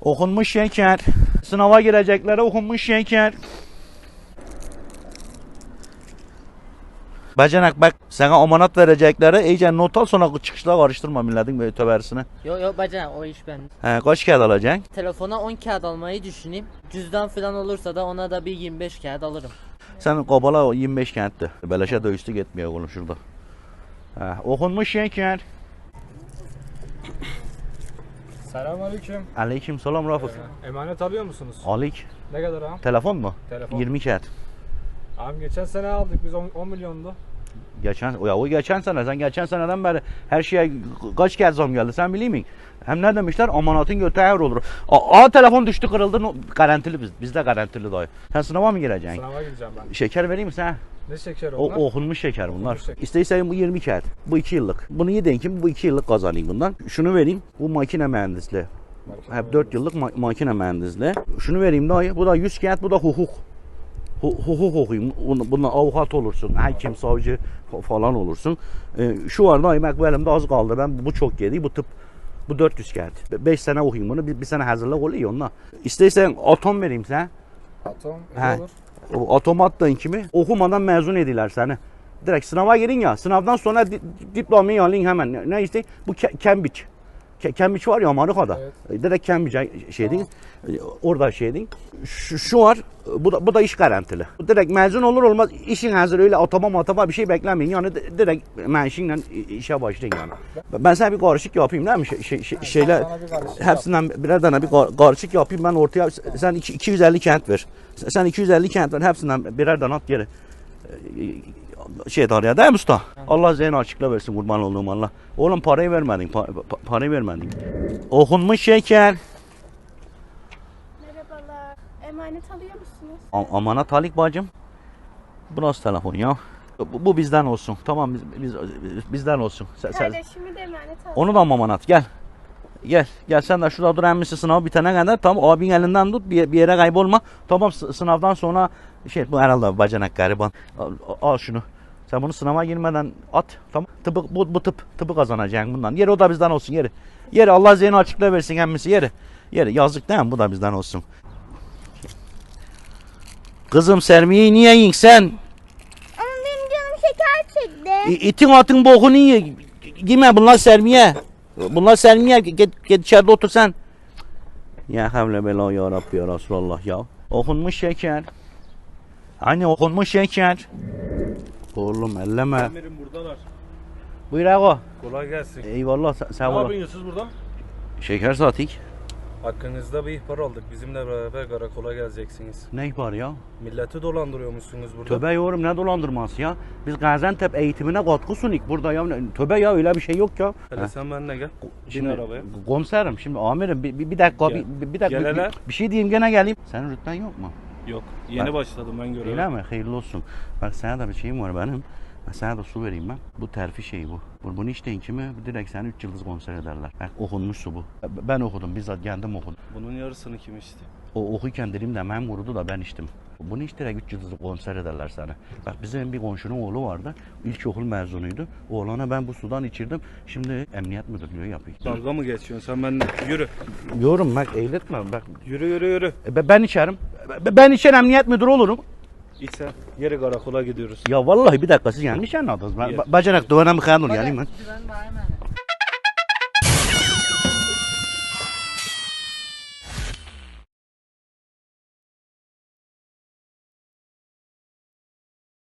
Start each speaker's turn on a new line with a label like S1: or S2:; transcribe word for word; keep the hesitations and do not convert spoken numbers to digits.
S1: Okunmuş şeker. Sınava gireceklere okunmuş şeker. Bacanak bak, sana omanat verecekleri iyice not al, sonra çıkışta karıştırma milletin böyle töbersini.
S2: Yok yok bacanak, o iş bende.
S1: He, kaç kağıt alacaksın?
S2: Telefona on kağıt almayı düşüneyim. Cüzdan falan olursa da ona da bir yirmi beş kağıt alırım.
S1: Sen kabala o yirmi beş kağıttı. Beleşe de üstü gitmiyor oğlum şurada. He, okunmuş şeker.
S3: Selamünaleyküm.
S1: Aleyküm selam Rafık.
S3: Ee, emanet alıyor musunuz?
S1: Alik.
S3: Ne kadar ağam?
S1: Telefon mu?
S3: Telefon.
S1: yirmi kağıt.
S3: Ağam geçen sene aldık biz on milyondu.
S1: Geçen, ya o geçen sene, sen geçen seneden beri her şeye kaç kez zam geldi sen biliyor musun? Hem ne demişler, amanatın götü ağır olur. Aa, aa telefon düştü kırıldı, no, garantili biz, bizde garantili dayı. Sen sınava mı gireceksin?
S3: Sınava gireceğim ben.
S1: Şeker vereyim mi sana?
S3: Ne şeker
S1: O,
S3: onlar?
S1: okunmuş şeker bunlar.
S3: Okunmuş şeker.
S1: İsteysen bu yirmi kağıt, bu iki yıllık. Bunu yedin ki bu iki yıllık kazanayım bundan. Şunu vereyim, bu makine mühendisliği.
S3: Makine
S1: Hep dört yıllık ma makine mühendisliği. Şunu vereyim dayı, bu da yüz kağıt, bu da hukuk. Hukuk okuyayım, bundan avukat olursun, hakim, savcı falan olursun. Ee, şu var dayı, bak bu elimde az kaldı, ben bu çok yedi, bu tıp, bu dört yüz kağıt. beş sene okuyayım bunu, bir, bir sene hazırlık oluyor onunla. İsteysen atom vereyim sana.
S3: Atom
S1: He.
S3: olur.
S1: O atom attığın kimi okumadan mezun ediler seni. Direkt sınava girin ya, sınavdan sonra di, diplomayı alın hemen. Ne, ne işte? Bu Cambridge. Cambridge var ya Amerika'da.
S3: Evet.
S1: Direkt Cambridge şey değil. Orada şey değil. Şu, şu var. Bu da, bu da iş garantili. Direkt mezun olur olmaz işin hazır, öyle atama matama bir şey beklemeyin. Yani direkt maaşınla işe başlayın yani. Ben sana bir karışık yapayım değil mi? Şey, şey, şey, şeyler hepsinden birer tane bir karışık yapayım ben ortaya. Sen iki yüz elli kağıt ver. Sen iki yüz elli kağıt ver, hepsinden birer tane at geri. Şey darya değil mi usta? Allah zihin açıkla versin, kurban olduğum Allah. Oğlum parayı vermedin, pa pa parayı vermedin. Okunmuş şeker.
S4: Merhabalar. Emanet alıyor musunuz?
S1: A amanat Halik bacım. Bu nasıl telefon ya? Bu, bu bizden olsun. Tamam biz, biz bizden olsun. Sen, sen...
S4: Kardeşimi de emanet alıyor.
S1: Onu da amanat gel. Gel. Gel sen de şurada dur, emmisi sınavı bitene kadar. Tamam abin elinden tut, bir, bir yere kaybolma. Tamam sınavdan sonra şey, bu herhalde bacanak gariban. Al, al şunu. Sen bunu sınava girmeden at. Tamam. Tıpı, bu, bu tıp tıpı kazanacaksın bundan. Yeri o da bizden olsun yeri. Yeri Allah zihni açıkla versin emmisi yeri. Yeri yazık değil mi? Bu da bizden olsun. Kızım sermiyeyi niye yiyin sen?
S4: Ama benim canım şeker çekti.
S1: İ, itin atın bokunu ye. Gime bunlar sermiye. Bunlar sermiye. Git, git içeride otur sen. Ya havle bela ya Rabbi ya Resulallah ya. Okunmuş şeker. Hani okunmuş şeker. Oğlum elleme.
S5: Amirim buradalar.
S1: Buyur ağa.
S5: Kolay gelsin.
S1: Eyvallah sen, sen
S5: Ne
S1: ol.
S5: yapıyorsunuz burada?
S1: Şeker satik.
S5: Hakkınızda bir ihbar aldık. Bizimle beraber karakola geleceksiniz.
S1: Ne var ya?
S5: Milleti dolandırıyormuşsunuz burada.
S1: Töbe yorum, ne dolandırması ya? Biz Gaziantep eğitimine katkı sunik burada ya. Töbe ya, öyle bir şey yok ya.
S5: Hele
S1: He.
S5: sen benimle gel. Bin
S1: Şimdi
S5: arabaya.
S1: komiserim, şimdi amirim bir, bir, bir dakika
S5: Gel.
S1: bir, bir dakika
S5: Gel
S1: bir,
S5: hele.
S1: bir şey diyeyim gene geleyim. Senin rütben yok mu?
S5: Yok. Yeni
S1: Ben-
S5: başladım ben göreve.
S1: Öyle mi? Hayırlı olsun. Bak sana da bir şeyim var benim. Ben sana da su vereyim ben. Bu terfi şeyi bu. Bu- Bunu içtiğin kimi direkt seni üç yıldız konser ederler. Bak okunmuş su bu. Ben okudum, bizzat kendim okudum.
S5: Bunun yarısını kim içti?
S1: O okuyken dilimde mem vurudu da ben içtim. Bunu iç direkt üç yıldızlı konser ederler sana. Bak bizim bir komşunun oğlu vardı. İlkokul mezunuydu. Oğlana ben bu sudan içirdim. Şimdi emniyet müdürlüğü yapıyor.
S5: Dalga mı geçiyorsun sen benimle? Yürü.
S1: Yorum bak, eğletme bak.
S5: Yürü yürü yürü.
S1: E, Ben içerim. E, Ben içer emniyet müdürü olurum.
S5: İç sen. Geri karakola gidiyoruz.
S1: Ya vallahi bir dakika, siz yanlış anladınız. Ben
S5: Yer.
S1: ba- bacanak duvana mı kanun yani ben.
S2: Güven bana emanet.